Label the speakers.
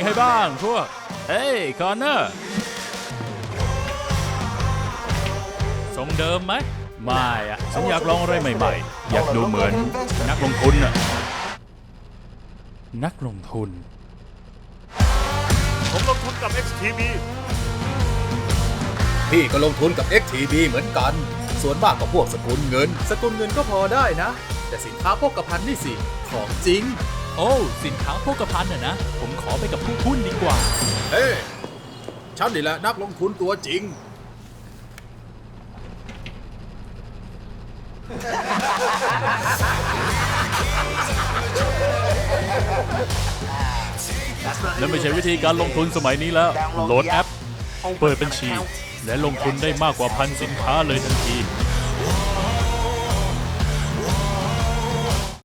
Speaker 1: ให้บ้างพวกเฮ้ยคอนเนอร์ทรงเดิมไหมไม่อะฉันอยากลองอะไรใหม่ๆอยากดูเหมือนนักลงทุนอะนักลงทุน
Speaker 2: ผมลงทุนกับ XTB
Speaker 3: พี่ก็ลงทุนกับ XTB เหมือนกัน ส่วนมากก็พวกสกุลเงิน สกุลเงินก็พอได้นะ แต่สินค้าโภคภัณฑ์นี่สิ ของจริง
Speaker 1: โอ้สินค้าโภคภัณฑ์นะผมขอไปกับผู้หุ้นดีกว่า
Speaker 3: เฮ้ฉันนี่แหละนักลงทุนตัวจริง
Speaker 1: และไม่ใช่วิธีการลงทุนสมัยนี้แล้ว โหลดแอป เปิดบัญชี และลงทุนได้มากกว่า1,000 สินค้าเลยทันที